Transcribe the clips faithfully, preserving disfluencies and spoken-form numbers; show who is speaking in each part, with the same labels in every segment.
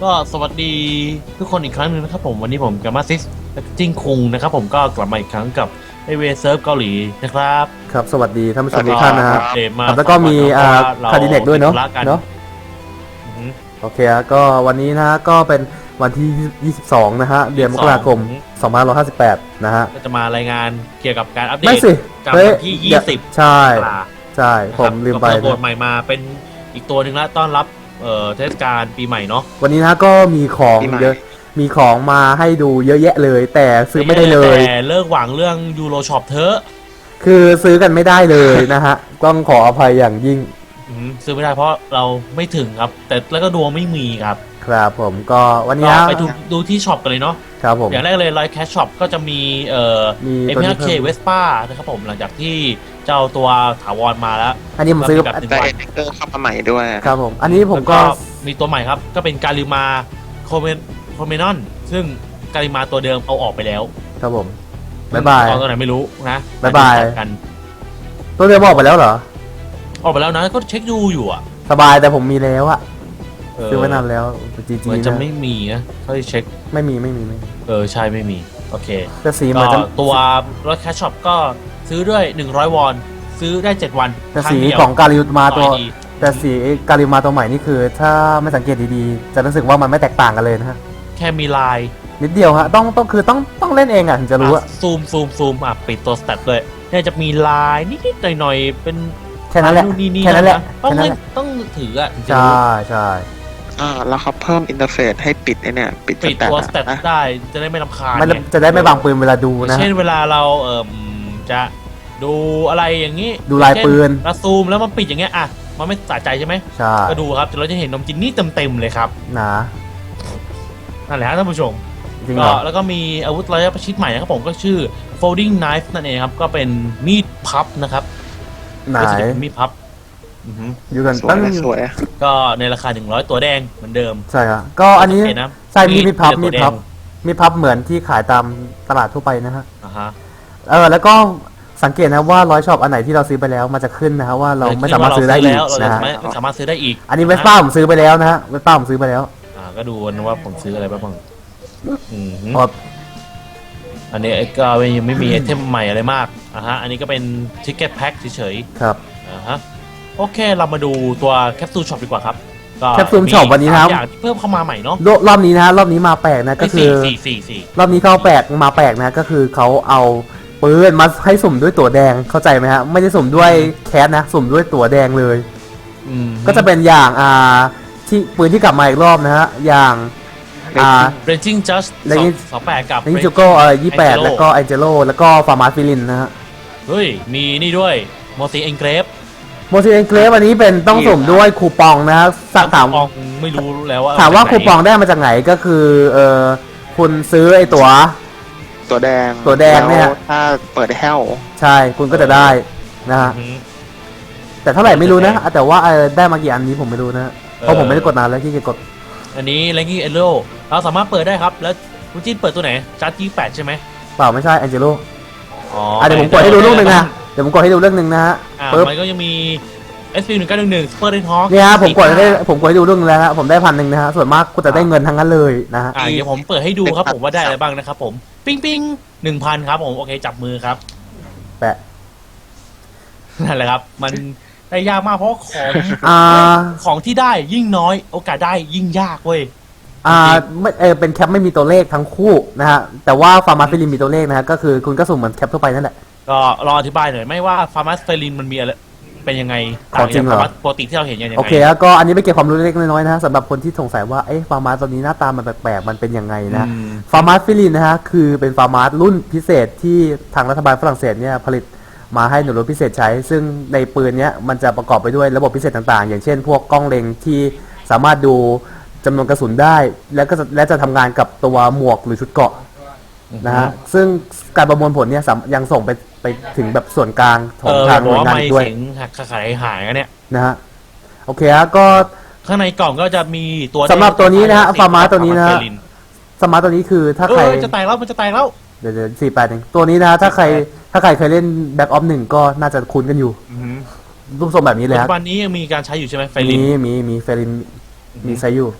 Speaker 1: ก็สวัสดีทุกคนอีกครั้งหนึ่งนะครับผมวันนี้ผมกับมาซิสจิ้งคุงนะครับผมก็กลับมาอีกครั้งกับไอเวเซิร์ฟเกาหลีนะครับ
Speaker 2: ครับสวัสดีท่านผู้ชมทุกท่านนะฮะ
Speaker 1: เดมา
Speaker 2: แล้วก็มีอ่าคาดิเนกด้วยเนาะเนาะ
Speaker 1: อือฮึ
Speaker 2: โอเคก็วันนี้นะฮะก็เป็นวันที่ยี่สิบสองนะฮะเดือนมกราคมสองพันห้าร้อยห้าสิบแปดนะฮะ
Speaker 1: ก็จะมารายงานเกี่ยวกับการอัปเด
Speaker 2: ไม่
Speaker 1: ต
Speaker 2: สิ
Speaker 1: กับ
Speaker 2: เฮ้ย
Speaker 1: วันที่ยี่สิบ
Speaker 2: ใช่ใช่ผมลืมไป
Speaker 1: ก็เปิดโหมดใหม่มาเป็นอีกตัวหนึ่งละต้อนรับเอ่อเทศกาลปีใหม่เนาะ
Speaker 2: วันนี้นะก็มีของเยอะมีของมาให้ดูเยอะแยะเลย แต่ซื้อไม่ได้เลย
Speaker 1: แต่เลิกหวังเรื่องยูโรช็อปเถอะ
Speaker 2: คือซื้อกันไม่ได้เลยนะฮะต้องขออภัยอย่างยิ่ง
Speaker 1: ซื้อไม่ได้เพราะเราไม่ถึงครับแต่แล้วก็ดวงไม่มีครับ
Speaker 2: ครับผมก็วันนี้
Speaker 1: ไปดูดูที่ช็อปกันเลยเนาะ
Speaker 2: ครับผม
Speaker 1: อย่างแรกเลยไลท์แคชช็อปก็จะมีเอ่อเอ็มพีเคเวสป้านะครับผมหลังจากที่เจ้าตัวถาวรมาแล้ว
Speaker 2: อันนี้ผมซื้อ
Speaker 3: แบบได้เอ็กเตอร์เข้ามาใหม่ด้วย
Speaker 2: ครับผมอันนี้ผมก็
Speaker 1: มีตัวใหม่ครับก็เป็นการิมาโคเมนโคเมนอนซึ่งการิมาตัวเดิมเอาออกไปแล้ว
Speaker 2: ครับผมบ๊ายบาย
Speaker 1: ตัวไหนไม่รู้นะ
Speaker 2: บ๊ายบาย
Speaker 1: กัน
Speaker 2: ตัวเดิมออกไปแล้วเหรอ
Speaker 1: ออกไปแล้วนะก็เช็คดูอยู่อ่ะ
Speaker 2: สบายแต่ผมมีแล้วอะซื้อไว้นานแล้วจีจี
Speaker 1: มันจะไม่มีนะเขาจะเช็ค
Speaker 2: ไม่มีไม่มีไม่
Speaker 1: เออใช่ไม่มีโอเค
Speaker 2: แต่สีมันจะ
Speaker 1: ตัวรถแคชช็อปก็ซื้อด้วยหนึ่งร้อยวอนซื้อได้เจ็ดวัน
Speaker 2: แต่สีของการิมาตัวแต่สีการิมาตัวใหม่นี่คือถ้าไม่สังเกตดีๆจะรู้สึกว่ามันไม่แตกต่างกันเลยนะฮะ
Speaker 1: แค่มีลาย
Speaker 2: นิดเดียวฮะต้องต้องคือต้องต้องเล่นเองอ่ะถึงจะรู้อะ
Speaker 1: ซูมซูมซูมอ่ะปิดตัวสแตทเลยเนี่ยจะมีลายนิดๆหน่อยๆเป็น
Speaker 2: แค่นั้นแหละแค่นั้นแหละ
Speaker 1: ต้องต้องถืออ่ะ
Speaker 2: ใช่ใช่
Speaker 3: อ่าแล้วเขาเพิ่มอินเทอร์เฟซให้ปิดไอเนี่ยปิด
Speaker 1: ตัวสแตทได้จะได้ไม่รำคาญ
Speaker 2: จะได้ไม่บังปืนเวลาดูนะ
Speaker 1: เช่นเวลาเราเอ่อจะดูอะไรอย่างนี้
Speaker 2: ดูลายปืน
Speaker 1: แล้วซูมแล้วมันปิดอย่างเงี้ยอ่ะมันไม่สะใจใช่ไหม
Speaker 2: ใช่
Speaker 1: ก็ดูครับเราจะเห็นนมจินนี่เต็มๆเลยครับ
Speaker 2: นะ
Speaker 1: นั่นแหละท่านผู้ชม
Speaker 2: ก็
Speaker 1: แล้วก็มีอาวุธระยะประชิดใหม่นะครับผมก็ชื่อ folding knife นั่นเองครับก็เป็นมีดพับนะครับ
Speaker 2: ไหน
Speaker 1: มีดพับ
Speaker 2: อยู่กันตั้ง
Speaker 3: สวย
Speaker 1: ก็ในราคาหนึ่งร้อยตัวแดงเหมือนเดิม
Speaker 2: ใช่ครับก็อันนี้ใช่มีมีพับมีพับมีพับเหมือนที่ขายตามตลาดทั่วไปนะฮะ
Speaker 1: อ่าฮะ
Speaker 2: เออแล้วก็สังเกตนะว่าร้อยช็อปอันไหนที่เราซื้อไปแล้วมันจะขึ้นนะฮะว่าเราไม่สามารถซื้อได้อีกนะฮะ
Speaker 1: ไม่สามารถซื้อได้อีก
Speaker 2: อันนี้เวสป้าผมซื้อไปแล้วนะฮะเวสป้าผมซื้อไปแล้ว
Speaker 1: อ่าก็ดูนะว่าผมซื้ออะไรบ้างอืมอันนี้ก็ยังไม่มีไอเทมใหม่อะไรมากอ่ะฮะอันนี้ก็เป็นทิกเก็ตแพ็คเฉย
Speaker 2: ๆครับ
Speaker 1: อ่าฮะโอเคเรามาดูตัวแคปซูลช็อปดีกว่าครับ
Speaker 2: แคปซูลช็อปวันนี้นะครับ
Speaker 1: อย่างที่เพิ่มเข้ามาใหม่เนาะ
Speaker 2: รอบนี้นะรอบนี้มาแปลกนะก็คือรอบนี้เขาแปลกมาแปลกนะก็คือเขาเอาปืนมาให้สุ่มด้วยตั๋วแดงเข้าใจไหมฮะไม่ได้สุ่มด้วยแคสนะสุ่มด้วยตั๋วแดงเลยก็จะเป็นอย่างอ่าที่ปืนที่กลับมาอีกรอบนะฮะอย่างอ่า
Speaker 1: Raging Just สองแปดกับ
Speaker 2: Raging Just เอ่อยี่สิบแปดแล้วก็ Angelo แล้วก็ Farmas Filin นะฮะ
Speaker 1: เฮ้ยมีนี่ด้วยโมซิเอ็นเกรฟ
Speaker 2: โมซิเอ็นเกรฟอันนี้เป็นต้องสุ่มด้วยคูปองนะถาม
Speaker 1: ไม่รู้แล้วว่า
Speaker 2: ถามว่าคูปองได้มาจากไหนก็คือเออคุณซื้อไอ้ตั๋ว
Speaker 3: ตัวแดง
Speaker 2: ตัวแดงเนี่ย
Speaker 3: ถ้าเปิดแฮล
Speaker 2: ใช่คุณก็จะได้นะฮะแต่เท่าไหร่ไม่รู้นะแต่ว่าได้มากี่อันนี้ผมไม่รู้นะเพราะผมไม่ได้กดนานแล้วที่จะกด
Speaker 1: อันนี้ Ranking Elo เราสามารถเปิดได้ครับแล้วคุณจิ้นเปิดตัวไหนจัดยี่แปดใช่ไหม
Speaker 2: เปล่าไม่ใช่ Angelo
Speaker 1: อ๋อ
Speaker 2: เดี๋ยวผมกดให้ดูลูกหนึ่งนะเดี๋ยวผมกดให้ดูเรื่องหนึ่งนะฮะ
Speaker 1: ปึ๊บมันก็ยังมี เอส พี หนึ่งเก้าหนึ่งหนึ่ง Super Red Hawk
Speaker 2: เนี่ยฮะผมกดให้ผมกดให้ดูเรื่องนึงแล้วฮะผมได้พันหนึ่งนะฮะส่วนมากกูจะได้เงินทั้งนั้นเลยนะฮะ
Speaker 1: อ่าเดี๋ยวผมเปิดให้ดูครับผมว่าได้อะไรบ้างนะครับผมปิ้งปิ้งหนึ่งพันครับผมโอเคจับมือครับ
Speaker 2: แปะ
Speaker 1: นั่นแหละครับมันได้ยากมากเพราะของ
Speaker 2: อ่า
Speaker 1: ของที่ได้ยิ่งน้อยโอกาสได้ยิ่งยากเว้ย
Speaker 2: อ่าไม่เออเป็นแคปไม่มีตัวเลขทั้งคู่นะฮะแต่ว่าฟาร์มาสเฟลินมีตัวเลขนะฮะก็คือคุณก็สุ่มเหมือนแคปทั่วไปนั่นแหละ
Speaker 1: ก็รออธิบายหน่อยไม่ว่าฟาร์มาสเฟลินมันมีอะไรเป็นยังไง
Speaker 2: ของจริงเหรอ
Speaker 1: ปกติที่เราเห็นยังไง
Speaker 2: โอเคก็อันนี้ไม่เก็บความรู้เล็กน้อยนะสำหรับคนที่สงสัยว่าเอ๊ะฟาร์มาสตัวนี้หน้าตามันแปลกๆมันเป็นยังไงนะฟาร์มาสเฟลินนะฮะคือเป็นฟาร์มาสรุ่นพิเศษที่ทางรัฐบาลฝรั่งเศสเนี่ยผลิตมาให้หน่วยรบพิเศษใช้ซึ่งในปืนเนี้ยมันจะประกอบไปด้วยระบบพิเศษต่างๆอย่างเช่นพวกกล้องเล็งที่สามารถดูจำนวนกระสุนได้แล้วก็และจะทำงานกับตัวหมวกหรือชุดเกราะนะฮะซึ่งการประมวลผลเนี่ยยังส่งไปไปถึงแบบส่วนกลางของทางหน่วยงานด้วย
Speaker 1: หักขายหายกันเนี่ย
Speaker 2: นะฮะโอเคฮะก็
Speaker 1: ข้างในกล่องก็จะมีตัว
Speaker 2: สำหรับตัวนี้นะฮะฟาร์มาตัวนี้นะฮะสมาร์ตตัวนี้คือถ้าใคร
Speaker 1: จะแตกแล้วมันจะแตกแล้ว
Speaker 2: เดี๋ยวสี่แปดเองตัวนี้นะถ้าใครถ้าใครเคยเล่นแบ็กออฟหนึ่งก็น่าจะคุ้นกันอยู่รูปทรงแบบนี้เลยครับ
Speaker 1: ปัจจุบันนี้ยังมีการใช้อยู่ใช่ไหมไฟลิน
Speaker 2: มีมีมีไฟลินมีใช้อยู่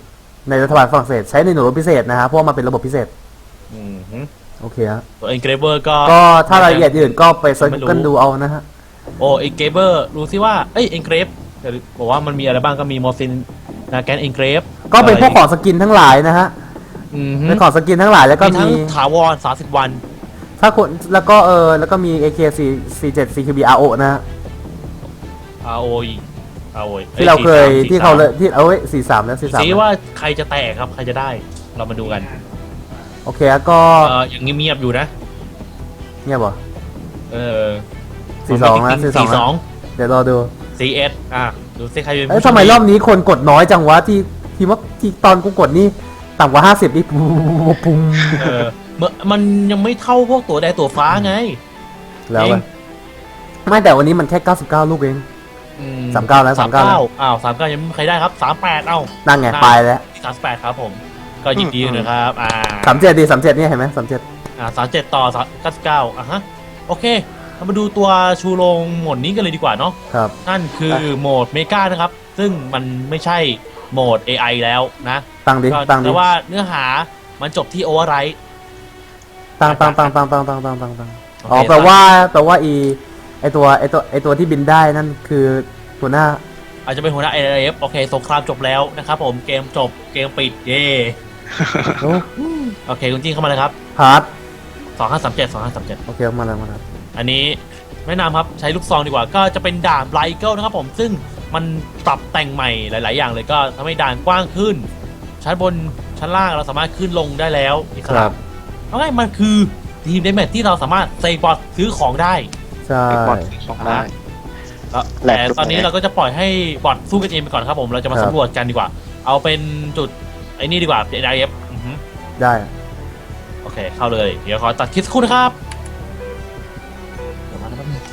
Speaker 2: ในรัฐบาลฝรั่งเศสใช้ในหน่วยรบพิเศษนะฮะเพราะว่ามันเป็นระบบพิเศษ
Speaker 1: อืมฮึ
Speaker 2: โอเคฮะ
Speaker 1: ตัวเอ็นเกรเบอร์ก็
Speaker 2: ก็ถ้ารายละเอียดอื่นก็ไปเซิร์ชกันดูเอานะฮะ
Speaker 1: โอ้เอ็นเกรเบอร์รู้สิว่าเอ้ยเอ็นเกรฟบอกว่ามันมีอะไรบ้างก็มีมอร์ฟินนะแกนเอ็นเกรฟ
Speaker 2: ก็เป็นพวกของสกินทั้งหลายนะฮะ
Speaker 1: อืมฮึ
Speaker 2: เป็นของสกินทั้งหลายแล้วก็
Speaker 1: มีทั้
Speaker 2: มี
Speaker 1: งถาวรสามสิบวัน
Speaker 2: ถ้าคนแล้วก็เออแล้วก็มี เอ เค สี่ สี่เจ็ด ซี คิว บี อาร์ โอ นะฮะ
Speaker 1: อาร์โออาร์โอ
Speaker 2: ที่เราเคยที่เขาเลยที่เอาไว้สี่สามแล้วสี่สาม
Speaker 1: สีว่าใครจะแตกครับใครจะได้เรามาดูกัน
Speaker 2: โอเคฮะก็
Speaker 1: เออยังเงียบๆอยู่นะ
Speaker 2: เงียบเหรอ
Speaker 1: เออ
Speaker 2: สี่สองนะสี่สอง
Speaker 1: สี่สอง
Speaker 2: เดี๋ยวรอดู
Speaker 1: ซีเอสอ่ะดูสิใครเป็น
Speaker 2: เอ้ย
Speaker 1: ผู้โช
Speaker 2: ทำ
Speaker 1: ค
Speaker 2: ไม
Speaker 1: ดี
Speaker 2: รอบนี้คนกดน้อยจังวะที่ที่ว่าที่ตอนกูกดนี่ต่ำกว่าห้าสิบนี่ปุ๊บปุ๊บ
Speaker 1: เออเมื่อมันยังไม่เท่าพวกตัวแดงตัวฟ้าไง
Speaker 2: แล้ว
Speaker 1: เอ
Speaker 2: อะ
Speaker 1: ง
Speaker 2: ไม่แต่วันนี้มันแค่เก้าสิบเก้าลูกเอง
Speaker 1: อื
Speaker 2: สามเก้าแล้ว
Speaker 1: สามเก้า
Speaker 2: สามเก้า
Speaker 1: อ้าวสามเก้ายังไม่มีใครได้ครับสามแปดเอ้า
Speaker 2: นั่นไงไปแล้ว
Speaker 1: สามแปดครับผม ก็ยินดีด้วยนะครับ อ่า
Speaker 2: สามเจ็ดดีสามเจ็ดนี่เห็นไหมสามเจ็ด
Speaker 1: อ่าสามเจ็ดต่อเก้าสิบเก้าอ่ะฮะ โอเค เรามาดูตัวชูโรงโหมดนี้กันเลยดีกว่าเนาะ
Speaker 2: ครับ
Speaker 1: นั่นคือโหมดเมกานะครับ ซึ่งมันไม่ใช่โหมด เอ ไอ แล้วนะ
Speaker 2: ตั้งดิ
Speaker 1: ก็
Speaker 2: ตั้งดิ
Speaker 1: แต่ว่าเนื้อหามันจบที่โอเวอร์ไรท์
Speaker 2: ตั้งตั้งตั้งตั้งตั้งตั้งตั้งตั้งตั้ง
Speaker 1: โอเค
Speaker 2: อ๋อแปลว่าแปลว่าอีไอตัวไอตัวไอตัวที่บินได้นั่นคือตัวหน้า
Speaker 1: อาจจะเป็นหัวหน้า เอ เอฟ โอเค สงครามจบแล้วนะครับผม เกมจบ เกมปิด เย่
Speaker 2: โอ้
Speaker 1: โอเค คุณจิ้งเข้ามาเลยครับ
Speaker 2: ฮาร์ด
Speaker 1: สองห้าสามเจ็ด สองห้าสามเจ็ด
Speaker 2: โอเคมาแล้วมาแล้ว
Speaker 1: อันนี้แนะนำครับใช้ลูกซองดีกว่าก็จะเป็นด่านไบรเกิลนะครับผมซึ่งมันปรับแต่งใหม่หลาย ๆ อย่างเลยก็ทำให้ด่านกว้างขึ้น ชั้นบนชั้นล่างเราสามารถขึ้นลงได้แล้วอิส
Speaker 2: ครั
Speaker 1: ระ
Speaker 2: บ
Speaker 1: เอาง่ายมันคือทีมเดมแมทที่เราสามารถเซฟบอทซื้อของได้
Speaker 2: ใช่
Speaker 3: ไปกดสองได้
Speaker 1: แล้ว
Speaker 3: แหล
Speaker 1: แต่
Speaker 3: กทุก
Speaker 1: ตอนนี้
Speaker 3: แหลก
Speaker 1: เราก็จะปล่อยให้บอทสู้กันเองไปก่อนครับผมเราจะมา
Speaker 2: ครับ
Speaker 1: สำรวจกันดีกว่า เอาเป็นจุดไอ้นี่ดีกว่า เอ ไอ เอฟ อือฮึ
Speaker 2: ได้
Speaker 1: โอเคเข้าเลยเดี๋ยวขอตัดคลิปสักครู่นะครับเดี๋ยวมาแป๊บนึง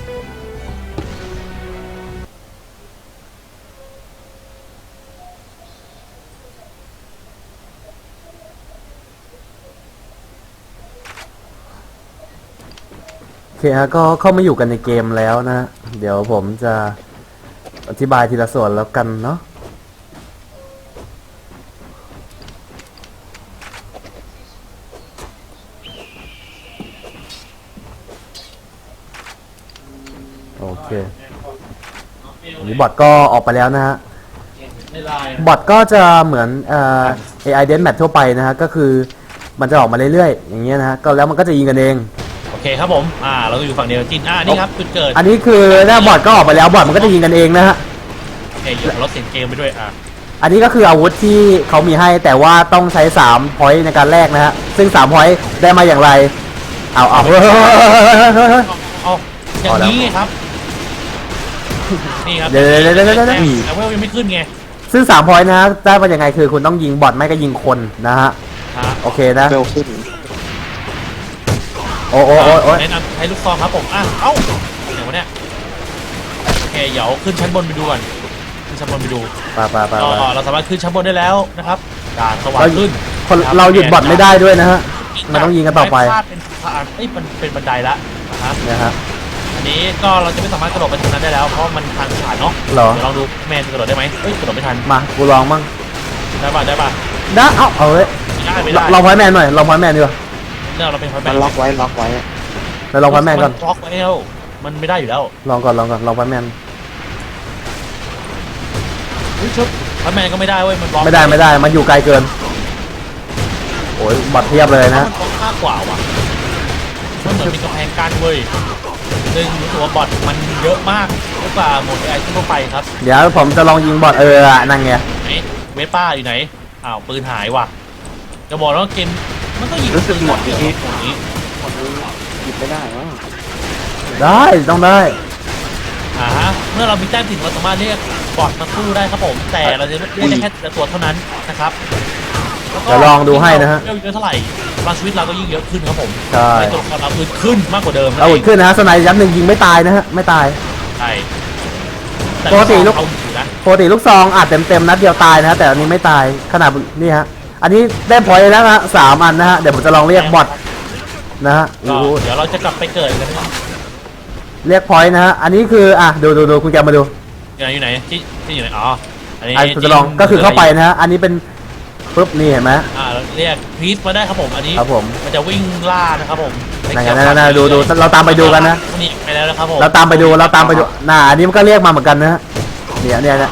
Speaker 2: โอเคฮะก็เข้ามาอยู่กันในเกมแล้วนะ เดี๋ยวผมจะอธิบายทีละส่วนแล้วกันเนาะโอเคอันนี้บอทก็ออกไปแล้วนะฮะ
Speaker 1: ในไลน์
Speaker 2: บอทก็จะเหมือนเอ่อ เอ ไอ Deathmatch ทั่วไปนะฮะก็คือมันจะออกมาเรื่อยๆ อย่างเงี้ยนะฮะก็แล้วมันก็จะยิงกันเอง
Speaker 1: โอเคครับผม อ่า เราก็อยู่ฝั่งเดียวจิน อ่า นี่ครับจุดเกิด
Speaker 2: อันนี้คือหน้าบอทก็ออกไปแล้วบอทมันก็จะยิงกันเองนะฮะ
Speaker 1: โอเคเดี๋ยวลดเสียงเกมไปด้วย อ่า
Speaker 2: อันนี้ก็คืออาวุธที่เขามีให้แต่ว่าต้องใช้สามพอยต์ในการแลกนะฮะซึ่งสามพอยต์ได้มาอย่างไรเอาเอาเฮ้ย
Speaker 1: เอาอย่างนี้ไงครับ นี่ครับ
Speaker 2: เดี๋ยวเดี๋ยวเดี๋ยวเดี๋ยวเดี๋ยว
Speaker 1: แต่แต่ว่ายังไม่ขึ้นไง
Speaker 2: ซึ่งสามพอยต์นะฮะได้มาอย่างไงคือคุณต้องยิงบอทไม่ก็ยิงคนนะฮะ
Speaker 1: ฮะ
Speaker 2: โอเคนะ
Speaker 3: เร็วขึ้น
Speaker 2: โอ้โอ้โอ้โอ้
Speaker 1: แนะนำใช้ลูกซองครับผม อ่ะ เอ้าเดี๋ยววะเนี่ย โอเค เดี๋ยวขึ้นชั้นบนไปดูก่อน ขึ้นชั้นบนไปดู
Speaker 2: ไปไปไป
Speaker 1: ก็
Speaker 2: ไป
Speaker 1: เราสามารถขึ้นชั้นบนได้แล้วนะครับด่านสว่าง
Speaker 2: เรา
Speaker 1: ขึ้น
Speaker 2: คนเราหยุดบอทไม่ได้ด้วยนะฮะ มันต้องยิงกันต่อไป
Speaker 1: ม่พลาดเป็นทางเอ้ยมันเป็นบันไดละนะฮะ
Speaker 2: นะฮะ
Speaker 1: อันนี้ก็เราจะไม่สามารถกระโดดไปทางนั้นได้แล้ว เพราะมันทางผ่านเนาะ
Speaker 2: เหรอ
Speaker 1: เดี๋ยวลองดูแมนจะกระโดดได้ไหมเอ้ยกระโดดไม่ทัน
Speaker 2: มากูลองมั่ง
Speaker 1: ได้ป่ะได้ป่ะ
Speaker 2: นะเอาเอาเลย
Speaker 1: ไม่ได้ไม่ได้
Speaker 2: ลองพอยต์แมนหน่อยลองพอยต์แมนดีกว่า
Speaker 1: เนี่ยเราเป็นพอยแม
Speaker 3: มัน
Speaker 1: น
Speaker 3: ล็อกไว้ล็อกไว้
Speaker 2: เดี๋ยวลองพอยต์แมนก่อน
Speaker 1: ล็อกไว้แล้วมันไม่ได้อยู่แล้ว
Speaker 2: ลองก่อนลองก่อนลองพอยต์แมน
Speaker 1: เฮ้ยชุบพอยแมนก็ไม่ได้เว้ยมันบล็อก
Speaker 2: ไม่ได้ไม่ได้มันอยู่ไกลเกินโอ้ยบอทเทียบเลยนะ
Speaker 1: มันบล็อกมากกว่าว่ะมันเหมือนมีกำแพงกั้นเว้ยซึ่งรู้สึกว่าบอทมันเยอะมากเยอะกว่าโหมดไอทั่วไปครับ
Speaker 2: เดี๋ยวผมจะลองยิงบอทเอออะนั่นไง
Speaker 1: ไหนเวป้าอยู่ไหนอ้าวปืนหายว่ะจะบอกแล้วาเกมมันก็ยิง
Speaker 3: รู้สึกหมดนี้
Speaker 1: หมดนี้
Speaker 3: หมดนี้หยิบไม่ได้วะ
Speaker 2: ได้ต้องได้
Speaker 1: อ่าฮะเมื่อเรามีแต้มถึงเราสามารถเรียกบอทมาสู้ได้ครับผมแต่เราจะเรียกได้แค่แต่ตัวเท่านั้นนะครับแวก็
Speaker 2: เดี๋ยวลองดูให้นะฮะ
Speaker 1: เยอะเท่าไหร่พลังชีวิตเราก็ยิ่งเยอะขึ้นครับผม
Speaker 2: ใช่
Speaker 1: ในตัวของเราอื่นขึ้นมากกว่าเดิม
Speaker 2: เอาอุ่นขึ้นนะฮะสไนด์ยัดหนึ่งยิงไม่ตายนะฮะไม่ตาย
Speaker 1: ใช่แต่
Speaker 2: ปกติลูก
Speaker 1: เอาอยู่นะ
Speaker 2: ปกติลูกซองอัดเต็มเต็มๆนัดเดียวตายนะฮะแต่อันนี้ไม่ตายขนาดนี่ฮะอันนี้ได้พอยต์แล้วนะฮะสามอันนะฮะเดี๋ยวผมจะลองเรียกบอทนะฮะ
Speaker 1: ก็
Speaker 2: ดู
Speaker 1: เดี๋ยวเราจะกลับไปเกิดกันนะครับ
Speaker 2: เรียกพอยต์นะฮะอันนี้คืออ่ะดูดูดูคุณแกมาดู
Speaker 1: อยู่ไหนอยู่ไหนที่ที่อยู่ไหนอ๋ออันนี้
Speaker 2: อันผมจะลองก็คือเข้าไปนะฮะอันนี้เป็นปุ๊บนี่เห็นไหม
Speaker 1: อ่าเรียกคริสมาได้ครับผมอันนี้
Speaker 2: ครับผม
Speaker 1: มันจะวิ่งล่านะครับผม
Speaker 2: นั่นไงนั่นไงนั่นไงดูดูเราตามไปดูกันนะ
Speaker 1: นี่ไปแล้วนะครับผม
Speaker 2: เราตามไปดูเราตามไปดูน่าอันนี้มันก็เรียกมาเหมือนกันนะฮะเนี่ยเนี่ยเนี่ย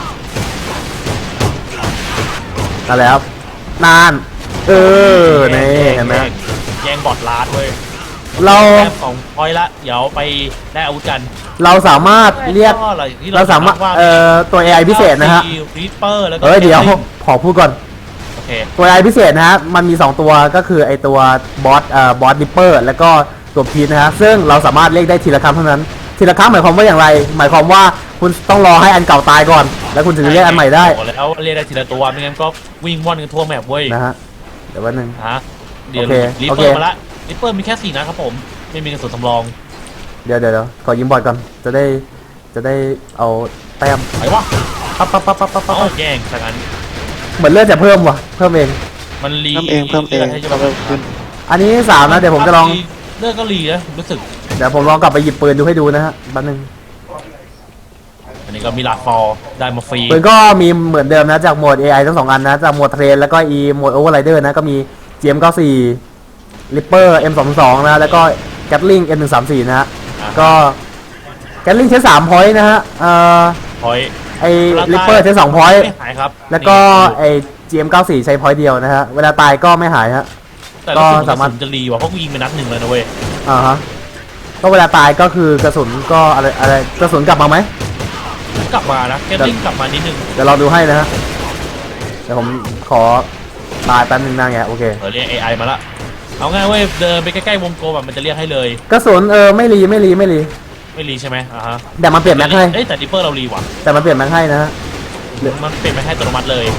Speaker 2: นั่นแหละครับนานเออนี่เห็นไหม
Speaker 1: แย่งบอดลาดเว้ย
Speaker 2: เรา
Speaker 1: แต้มสองพอยต์ละเดี๋ยวไปได้อาวุธกัน
Speaker 2: เราสามารถเรียก
Speaker 1: ก็อะไรที่
Speaker 2: เราสามารถเอ่อตัว เอ ไอ พิเศษนะฮะ
Speaker 1: รีปเปอร์แล้วก็
Speaker 2: เอ้ยเดี๋ยวขอพูดก่อน
Speaker 1: โอเค
Speaker 2: ตัว เอ ไอ พิเศษนะฮะมันมีสองตัวก็คือไอตัวบอสเอ่อบอสดิปเปอร์แล้วก็ตัวพีนะฮะซึ่งเราสามารถเรียกได้ทีละครั้งเท่านั้นทีละครั้งหมายความว่าอย่างไร หมายความว่าคุณต้องรอให้อันเก่าตายก่อน แล้วคุณถึงจะเรียกอันใหม่ได้
Speaker 1: บอกแล้วเรียกได้ทีละตัวไม่งั้นก็วิ่งว่อนกันทั่วแมปเว้ย
Speaker 2: นะฮะเดี๋ยววันหนึ่ง
Speaker 1: ฮะเดี๋ยว
Speaker 2: โอเค
Speaker 1: รีป
Speaker 2: โอ
Speaker 1: เป
Speaker 2: เค
Speaker 1: อร์มาละรีปเปอร์มีแค่สี่นัดครับผมไม่มีกระสุนสำรอง
Speaker 2: เดี๋ยวเดี๋ยวเดี๋ยวขอยิงบอดก่อนจะได้จะได้เอาแต้ม
Speaker 1: ไหนวะ
Speaker 2: ปั๊บปั๊บปั๊บปั๊บปั๊บปั๊
Speaker 1: เอา
Speaker 2: บ
Speaker 1: แย่งสักอัน
Speaker 2: เหมือนเลือดจะเพิ่มว่ะเพิ่มเอง
Speaker 1: มันรี
Speaker 3: เพิ่มเองเพิ่มเอง
Speaker 1: ให้จะ
Speaker 3: เพิ่มขึ้น
Speaker 2: อันนี้สามนะเดี๋ยวผมจะลอง
Speaker 1: เลือดก็รีนะรู้สึก
Speaker 2: เดี๋ยวผมลองกลับไปหยิบปืนดูให้ดูนะฮะแป๊บนึง
Speaker 1: อันนี้ก็มีลาฟอร์ได้มาฟรี
Speaker 2: ปืนก็มีเหมือนเดิมนะจากโหมด เอ ไอ ทั้งสองอันนะจากโหมดเทรนแล้วก็อีโหมดโอเวอร์ไรเดอร์นะก็มี จี เอ็ม เก้าสิบสี่ Ripper เอ็ม สองสอง นะแล้วก็ Gatling เอ็ม หนึ่งสามสี่ นะฮะก็ Gatling ใช้สามพอยต์นะฮะเอ่อ
Speaker 1: พอย
Speaker 2: ไอ้ Ripper ใช้สองพอยต์
Speaker 1: ไม่หายครับ
Speaker 2: แล้วก็ไอ้ จี เอ็ม เก้าสิบสี่ ใช้พอยต์เดียวนะฮะเวลาตายก็ไม่หายฮะ
Speaker 1: แต่รู้สึก
Speaker 2: ก็
Speaker 1: สา
Speaker 2: สามาร
Speaker 1: มาร
Speaker 2: ถ
Speaker 1: ถจะรีว่ะเพราะกูยิงไปนัดหนึ่งเลยนะเว้ย
Speaker 2: อ่าฮะก็เวลาตายก็คือกระสุนก็อะไรอะไรกระสุนกลับมาไหม
Speaker 1: กลับมานะแกตติ้งกลับมานิดนึง
Speaker 2: เดี๋ยวเราดูให้นะฮะเดี๋ยวผมขอตายแป๊บนึงนะไงโอเค
Speaker 1: เออเรียก เอ ไอ มาละเอาง่ายเว้ยเดินไปใกล้ๆวงกลมแบบมันจะเรียกให้เลย
Speaker 2: กระสุนเออไม่รีไม่รีไม่รี
Speaker 1: ไม่รีใช่ไหมอ่าฮะ
Speaker 2: แต่มันเปลี่ยนแม็กให้
Speaker 1: เอ้ยแต่ดิปเปอร์เรารีว่ะ
Speaker 2: แต่มันเปลี่ยนแม็กให้นะฮะ
Speaker 1: มันเปลี่ยนไปให้อัตโนมัติเลย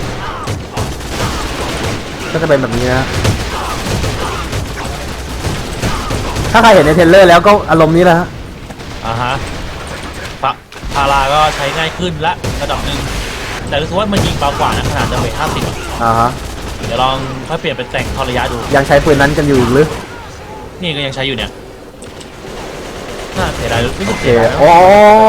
Speaker 2: ก็จะเป็นแบบนี้นะถ้าใครเห็นในเทรลเลอร์แล้วก็อารมณ์นี้แหละฮะ
Speaker 1: อ่าฮะพะพาราก็ใช้ง่ายขึ้นละระดับหนึ่งแต่รู้สึกว่ามันยิงเบากว่านะขนาดจะเวทห้าสิบ
Speaker 2: อ่าฮะ
Speaker 1: เดี๋ยวลองค่อยเปลี่ยนเป็นแต่งทอระยะดู
Speaker 2: ยังใช้ปืนนั้นกันอยู่อีกหรือ
Speaker 1: นี่ก็ยังใช้อยู่เนี่ยน่าเสียดายรู้สึก
Speaker 2: โอเค
Speaker 1: เสียดายนะ
Speaker 2: โอ้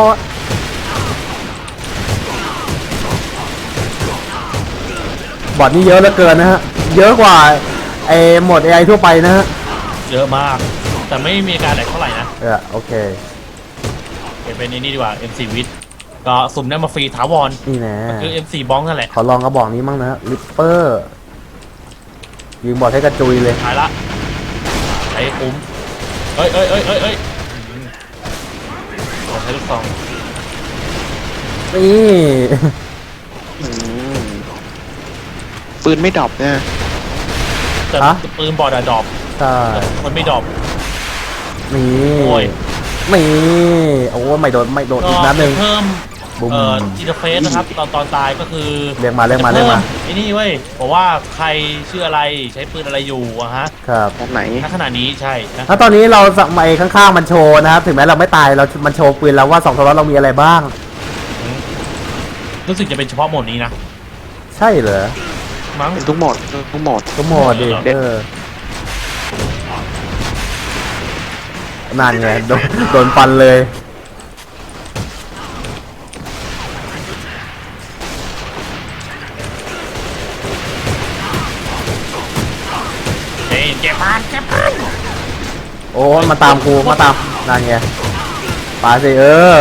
Speaker 2: บอร์ดนี่เยอะเหลือเกินนะฮะเยอะกว่าไอ้โหมด เอ ไอ ทั่วไปนะฮะ
Speaker 1: เยอะมาก แต่ไม่มีอาการแหลกเท่าไหร่นะ
Speaker 2: เออโอเค
Speaker 1: เปลี่ยนเป็นไอ้นี่ดีกว่า เอ็ม โฟร์ วิทก็สุ่มได้มาฟรีถาวร
Speaker 2: นี่แน่
Speaker 1: คือ เอ็ม โฟร์ บ้องนั่นแหละ
Speaker 2: ขอลองกระบอกนี้มั่งนะฮะลิปเปอร์ยิงบอร์ดให้กระจุยเลย
Speaker 1: หายละใช้คุ้มเอ้ยเอ้ยเอ้ยเอ้ยเอ้ยอืมเราใช้ลูกซอง
Speaker 2: นี่
Speaker 3: อืมปืนไม่ดรอปเนี่ย
Speaker 1: แต่ปืนบอดอะดรอป
Speaker 2: ใช่
Speaker 1: แต่มันไม่ดรอป
Speaker 2: นี่
Speaker 1: โอ้ย
Speaker 2: นี่โอ้ไม่โดนไม่โดน
Speaker 1: ก็
Speaker 2: อีกนัดหนึ่ง
Speaker 1: เพิ่ม
Speaker 2: บุ้ม
Speaker 1: เอ่ออินเทอร์เฟซนะครับ ตอนตอนตายก็คือ
Speaker 2: เรียกมาเรียกมา
Speaker 1: จะ
Speaker 2: เรียกมา
Speaker 1: ไอ้นี่เว้ยบอกว่าใครชื่ออะไรใช้ปืนอะไรอยู่อะฮะ
Speaker 2: ครับ
Speaker 3: แบบไหน
Speaker 1: ณขณะนี้ใช่นะ
Speaker 2: ถ้าตอนนี้เราสมัยข้างๆมันโชว์นะครับถึงแม้เราไม่ตายเรามันโชว์ปืนแล้วว่าสองตัวเรามีอะไรบ้าง
Speaker 1: รู้สึกจะเป็นเฉพาะโหมดนี้นะ
Speaker 2: ใช่เหรอ
Speaker 1: มั้ง
Speaker 3: เป็นทุกโหมดทุกโหมด
Speaker 2: ก็หมดดิ
Speaker 1: เด็ด
Speaker 2: เออนั่นไงโดนโดนฟันเลย
Speaker 1: เฮ้ยเก็บพานเก็บพาน
Speaker 2: โอ้มาตามกูมาตามนั่นไงปาสิเออ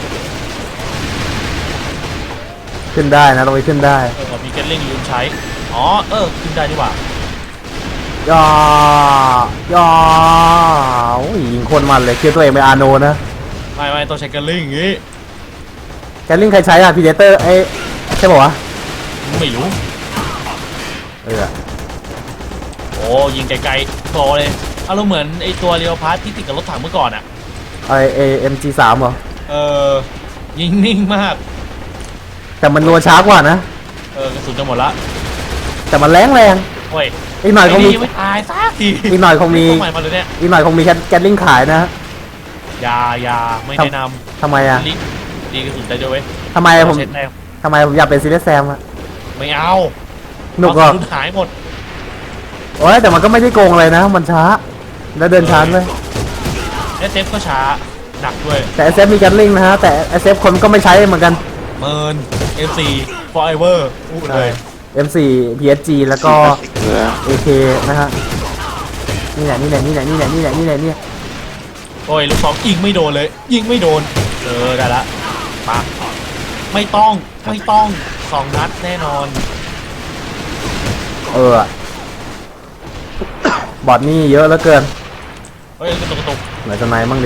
Speaker 2: ขึ้นได้นะตรงนี้ขึ้นได้
Speaker 1: เออมีเกลลิงลืมใช้ อ๋อ เออ ขึ้นได้ดีกว่า
Speaker 2: ย่อย่อโอ้ยยิงคนมันเลยคิดตัวเองเป็นอาโนนะ
Speaker 1: ไม่ไม่ต้องใช้เกลลิงอย่างงี้
Speaker 2: แกลลิงใครใช้อะพีเดเตอร์ไอ้ใช่ป่าวะ
Speaker 1: ไม่รู้
Speaker 2: เออ
Speaker 1: โอ้ยิงไกลๆโตเลยอารมณ์เหมือนไอตัวเรียวพาร์ทที่ติดกับรถถังเมื่อก่อนอะ
Speaker 2: ไอเอเอ็มจีสามเหรอ
Speaker 1: เออ ยิงนิ่งมาก
Speaker 2: แต่มันนัวช้ากว่านะ
Speaker 1: เออกระสุนจะหมดละ
Speaker 2: แต่มันแรงแรง
Speaker 1: เว้ย
Speaker 2: อีกหน่อยคงมี
Speaker 1: ไอ้นี่ไม่ตายสักที
Speaker 2: อีกหน่อยคงมี
Speaker 1: ต้องใหม่มาเลยเนี่ย
Speaker 2: อีกหน่อยคงมีแกลลิงขายนะ
Speaker 1: อยาอยาไม่แนะน
Speaker 2: ทำไมอะ
Speaker 1: ำลิดีกระสุนได้ด้วยเว้ย
Speaker 2: ทำไมผม
Speaker 1: เช็ดแต้ม
Speaker 2: ทำไมผมอยากเป็นซีเรียสแซมอะ
Speaker 1: ไม่เอา
Speaker 2: หนุกเหรอ
Speaker 1: กระสุนหายหมด
Speaker 2: โอ้ยแต่มันก็ไม่ได้โกงเลยนะ มันช้า แล้วเดินช้าด้วย
Speaker 1: เอสเอฟก็ช้าหนักด้วย
Speaker 2: แต่ เอส เอฟ มีแกลลิงนะฮะ แต่ เอส เอฟ คนก็ไม่ใช้เหมือนกัน
Speaker 1: เมิน เอฟ ซี forever พูดเลย
Speaker 2: เอ็ม โฟร์ พี เอส จี แล้วก็
Speaker 3: เหลือ
Speaker 2: เอ เค นะฮะนี่แหละนี่แหละนี่แหละนี่แหละนี่แหละนี่แหละนี่แหละ
Speaker 1: โอ้ยลูกซองยิงไม่โดนเลย ยิงไม่โดน เออได้ละปะไม่ต้องไม่ต้องสองนัดแน่นอน
Speaker 2: เออ บอทนี่เยอะเหลือเกิน
Speaker 1: เฮ้ยกระตุกกระตุก
Speaker 2: ไหนจะไหนบ้างดิ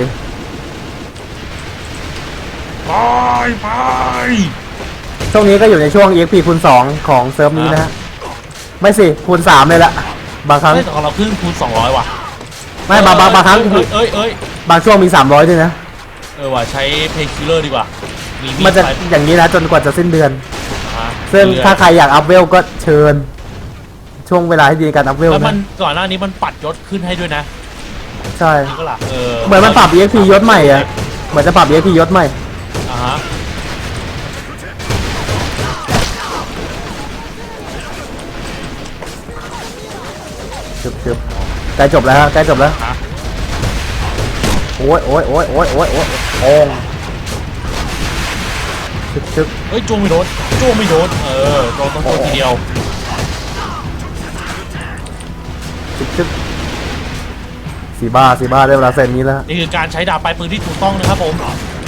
Speaker 1: ไปไป
Speaker 2: ช่วงนี้ก็อยู่ในช่วง อี เอ็กซ์ พี คูณสองของเซิร์ฟนี้นะฮะไม่สิคูณสามเลยละบางครั้ง
Speaker 1: เฮ้ยแต่ของเราขึ้นคูณสองร้อยว่ะ
Speaker 2: ไม่บางบางบางครั้ง
Speaker 1: เอ้ยเอ้ยเอ้ย
Speaker 2: บางช่วงมีสามร้อยด้วยนะ
Speaker 1: เออว่ะใช้เพนคิลเลอร์ดีกว่ามีมี
Speaker 2: มันจะ
Speaker 1: ไฟ
Speaker 2: อย่างนี้นะจนกว่าจะสิ้นเดือน
Speaker 1: อ่ะ
Speaker 2: ซึ่ง
Speaker 1: เรื่อยๆ
Speaker 2: ถ้าใครอยากอัพเวลก็เชิญ ช่วงเวลาที่ดีในการอัพเวล
Speaker 1: แล้วมั
Speaker 2: นะ
Speaker 1: นก่อนหน้านี้มันปัดยศขึ้นให้ด้วยนะ
Speaker 2: ใช่
Speaker 1: นี่ก็ล่ะเออ
Speaker 2: เหมือนมันปรับ อี เอ็กซ์ พี ยศใหม่อะเหมือนจะปรับ อี เอ็กซ์ พี ยศใหม่
Speaker 1: อ่าฮะ
Speaker 2: ชึบชึบใกล้จบแล้วฮะใกล้จบแล้ว
Speaker 1: อ่ะ
Speaker 2: โอ้ยโอ้ยโอ้ยโอ้ยโอ้ยโอ้ยโอ้งชึบชึบ
Speaker 1: เฮ้ยจ้วงไม่โดนจ้วงไม่โดนเออโดนต้องโดนทีเดียว
Speaker 2: ชึบชึบสีบ้าสีบ้าได้เวลาเซนนี้แล้ว
Speaker 1: นี่คือการใช้ดาบปลายปืนที่ถูกต้องนะครับผม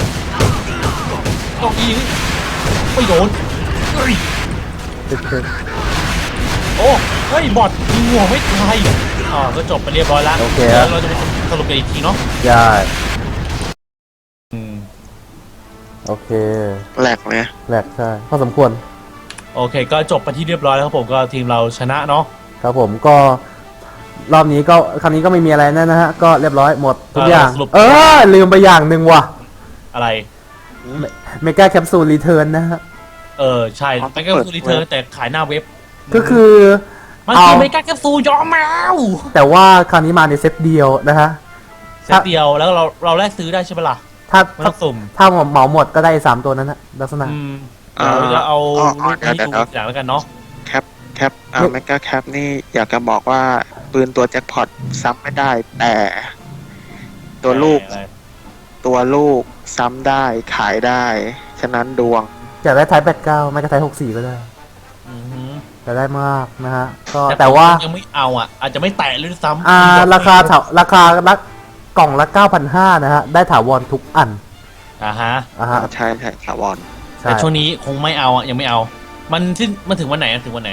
Speaker 1: ต้องยิงไม่โดนเฮ้ย
Speaker 2: ชึบชึบ
Speaker 1: โอ้เฮ้ยบอทยิงหัวไม่ตายอ๋อก็จบไปเรียบร้อยแล้ว
Speaker 2: โอเค
Speaker 1: เดี๋
Speaker 2: ค
Speaker 1: ย
Speaker 2: รับ
Speaker 1: วเราจะไปสรุปกันอีกทีเนาะ
Speaker 2: ใช่
Speaker 1: อืม
Speaker 2: โอเค
Speaker 3: แหลกเลย
Speaker 2: แหลกใช่พอสมควร
Speaker 1: โอเคก็จบไปที่เรียบร้อยแล้วครับผมก็ทีมเราชนะเนาะ
Speaker 2: ครับผมก็รอบนี้ก็ครั้งนี้ก็ไม่มีอะไรแน่นะฮะ ก็เรียบร้อยหมดทุกอย่าง เออ ลืมไปอย่างหนึ่งว่ะ
Speaker 1: อะไร
Speaker 2: เมกาแคปซูลรีเทิร์นนะฮะ
Speaker 1: เออใช่แต่ก็คือรีเทิร์นแต่ขายหน้าเว็บ
Speaker 2: ก็คือ
Speaker 1: มัน
Speaker 2: เอา
Speaker 1: คือเมกาแคปซูลยอมแมว
Speaker 2: แต่ว่าคราวนี้มาในเซตเดียวนะฮะ
Speaker 1: เซตเดียวแล้วเราเราแลกซื้อได้ใช่ไหมล่ะ
Speaker 2: ถ้า
Speaker 1: ไม่
Speaker 2: ถ้า
Speaker 1: ต้องสุ่ม
Speaker 2: ถ้าเหมาหมดก็ได้สามตัวนั้นนะลักษณะ
Speaker 1: อืมเราจะเอา
Speaker 3: อ๋อ
Speaker 1: รูป
Speaker 3: เดี๋ยว
Speaker 1: ให้
Speaker 3: เดี๋ยว
Speaker 1: ดูอย่างแล้วกันเนาะ
Speaker 3: แคปแคปอ่าแมกกาแคปนี่อยากจะบอกว่าปืนตัวแจ็คพอตซ้ำไม่ได้ แต่ตัวลูก
Speaker 1: อะไร
Speaker 2: ตัวลูก
Speaker 3: ซ้ำได้ขายได้ ฉะนั้นดวง
Speaker 2: อยากได้ไทป์แปดเก้าไม่ก็ไทป์หกสี่ก็ได้
Speaker 1: อือหือ
Speaker 2: จะได้มากนะฮะ ก็แต่ว่า
Speaker 1: ผมยังไม่เอาอ่ะ อาจจะไม่แตะเลยด้วยซ้ำ
Speaker 2: อ่า ราคาเถาราคาละกล่องละ เก้าพันห้าร้อย นะฮะ ได้ถาวรทุกอัน
Speaker 1: อ่าฮะ
Speaker 2: อ่าฮะ
Speaker 3: ใช่ใช่ถาวร
Speaker 2: ใช่
Speaker 1: แต่ช่วงนี้คงไม่เอาอ่ะยังไม่เอา มันที่มันถึงวันไหนอะถึงวันไหน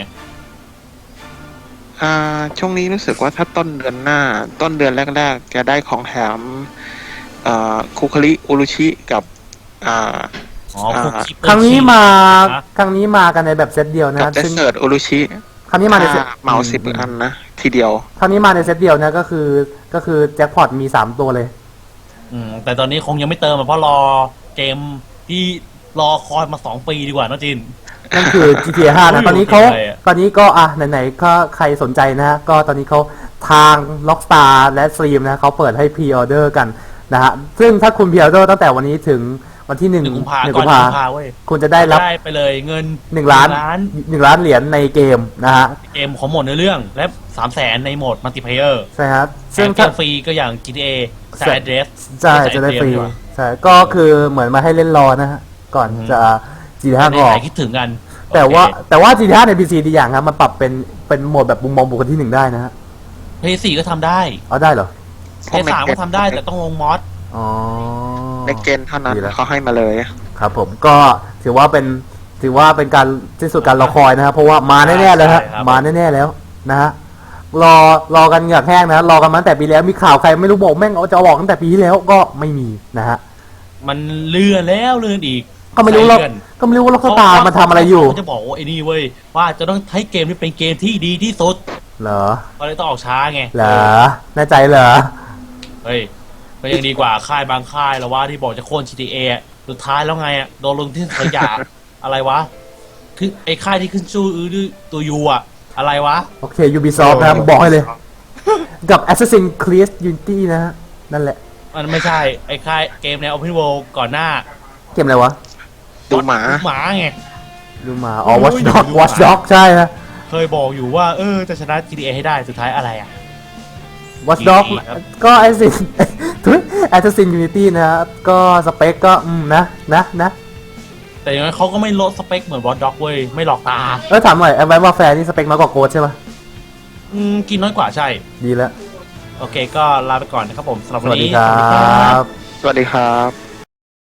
Speaker 3: อ่าช่วงนี้รู้สึกว่าถ้าต้นเดือนหน้า ต้นเดือนแรกๆ จะได้ของแถมอ่าคุคาริอุรุชิกับอ่า
Speaker 1: อ๋อคุกกี้เปิด
Speaker 2: ครั้งนี้มา
Speaker 1: ฮะ
Speaker 2: ครั้งนี้มากันในแบบเซตเดียวนะ
Speaker 3: กับ
Speaker 2: ฮะ
Speaker 3: เดส
Speaker 2: ซึ่ง
Speaker 3: เซิร์ตอุรุชิ
Speaker 2: ครั้งนี้มาในเซต
Speaker 3: ถ้เหมาสิบอันนะ ทีเดียว
Speaker 2: ครั้งนี้มาในเซตเดียวนะก็คือก็คือแจ็คพอตมีสามตัวเลย
Speaker 1: อืมแต่ตอนนี้คงยังไม่เติมอะเพราะรอเกมที่รอคอยมาสองปีดีกว่าเนอะจิน
Speaker 2: นั่นคือ จี ที เอ ห้า นะ ตอนนี้เขา
Speaker 1: อยู่ที่ไหนอะ
Speaker 2: ตอนนี้ก็อ่ะไหนๆก็ใครสนใจนะฮะ ก็ตอนนี้เขาทาง Rockstar และ Steam นะเขาเปิดให้พรีออเดอร์กันนะฮะ ซึ่งถ้าคุณพรีออเดอร์ตั้งแต่วันนี้ถึงวันที่หนึ่ง
Speaker 1: หนึ่งกุมภา
Speaker 2: หนึ่ง
Speaker 1: ก่อ
Speaker 2: กุ
Speaker 1: น
Speaker 2: ม
Speaker 1: หนึ่
Speaker 2: ภาง
Speaker 1: กุมภาเว้ย
Speaker 2: คุณจะได้รับ
Speaker 1: ได้ไปเลยเงิน
Speaker 2: หนึ่งล้าน
Speaker 1: ล้าน
Speaker 2: หนึ่งล้านเหรียญในเกมนะฮะ
Speaker 1: เกมของโหมดเนื้อเรื่อง และสามแสนในโหมดมัลติเพลเยอร์
Speaker 2: ใช่ครับ
Speaker 1: ซึ่
Speaker 2: ซึ่
Speaker 1: ง
Speaker 2: ง
Speaker 1: เก
Speaker 2: ถ้าม
Speaker 1: ฟรีก็อย่าง จี ที เอ
Speaker 2: ใช่
Speaker 1: สายเดรส
Speaker 2: ใช่จะได้ฟรีใช่ก็คือเหมือนมาให้เล่นรอนะฮะ ก่อนจะ จี ที เอ ห้า
Speaker 1: ใน
Speaker 2: ออก
Speaker 1: ไหนคิดถึงกัน
Speaker 2: แต่ว่า
Speaker 1: โอเค
Speaker 2: แต่ว่า จี ที เอ ห้า ใน พี ซี ดีอย่างครับมันปรับเป็นเป็นโหมดแบบมุมมองบุคคลที่หนึ่งได้นะฮะ
Speaker 1: เพย์สี่ก็ทำได้
Speaker 2: เอาได้เหรอ
Speaker 1: เพย์สามก็ทำได้แต่ต้องลงมอส
Speaker 2: อ๋อ
Speaker 3: ในเกณฑ์เท่านั้น
Speaker 2: ดีแล้ว
Speaker 3: เขาให้มาเลย
Speaker 2: ครับผมก็ถือว่าเป็นถือว่าเป็นการที่สุดการรอคอยนะครับเพราะว่ามาแน่ๆแล้วฮะ
Speaker 1: ใช่ครับ
Speaker 2: มาแน่ๆแล้วนะฮะรอรอกันเหงือกแห้งนะรอกันมาตั้งแต่ปีแล้วมีข่าวใครไม่รู้บอกแม่งเอาจะเอาออกตั้งแต่ปีที่แล้วก็ไม่มีนะฮะ
Speaker 1: มันเลื่อนแล้วเลื่อนอีก
Speaker 2: ก็ไม่รู้หรอก
Speaker 1: ใส่เลื่อน
Speaker 2: ก็ไม่รู้ว่าล็อกสตาร์มันทำอะไรอยู่
Speaker 1: เขาจะบอกว่าไอ้นี่เว้ยว่าจะต้องให้เกมนี้เป็นเกมที่ดีที่สุด
Speaker 2: เหรอ
Speaker 1: ก็เลยต้องออกช้าไง
Speaker 2: เหรอแน่ใจเหรอ
Speaker 1: เฮ้ยก็ยังดีกว่าค่ายบางค่ายแล้วว่าที่บอกจะโค่น จี ที เอ อะสุดท้ายแล้วไงอ่ะโดนลงที่ขยะ อะไรวะคือไอ้ค่ายที่ขึ้นชื่ออื้อด้วยตัวยูอ่ะอะไรวะ
Speaker 2: โอเค Ubisoft นะครับบอกให้เลย กับ Assassin's Creed Unity นะฮะนั่นแหละ
Speaker 1: มันไม่ใช่ไอ้ค่ายเกมใน Open World ก่อนหน้า
Speaker 2: เกมอะไรวะ
Speaker 3: ดูหมา
Speaker 1: หมาไง
Speaker 2: ดูมาอ๋อ
Speaker 1: โอ้ย
Speaker 2: Watch Dog
Speaker 1: ดู
Speaker 2: Watch
Speaker 1: หมา
Speaker 2: Dog ใช่ฮะ
Speaker 1: เคยบอกอยู่ว่าเออจะชนะ จี ที เอ ให้ได้สุดท้ายอะไรอ่ะ
Speaker 2: Watch Dog
Speaker 1: ดีครับ
Speaker 2: ก็ Assassin Assassin Unity นะฮะก็สเปคก็อืมนะนะนะ
Speaker 1: แต่อย่างน้อยเขาก็ไม่ลดสเปคเหมือนวอตด็อกเว้ยไม่หลอกตา
Speaker 2: เออถามหน่อยแอดไวน์วอร์แฟร์นี่สเปคน้อยกว่าโกดใช่ปะ
Speaker 1: อืมกินน้อยกว่าใช่
Speaker 2: ดีแล้ว
Speaker 1: โอเคก็ลาไปก่อนนะครับผมสำหรับ
Speaker 2: ส
Speaker 1: วัน
Speaker 2: วัสดี
Speaker 1: นี้
Speaker 2: ครั
Speaker 1: สวัสดีครับ
Speaker 2: บ
Speaker 3: สวัสดีครับ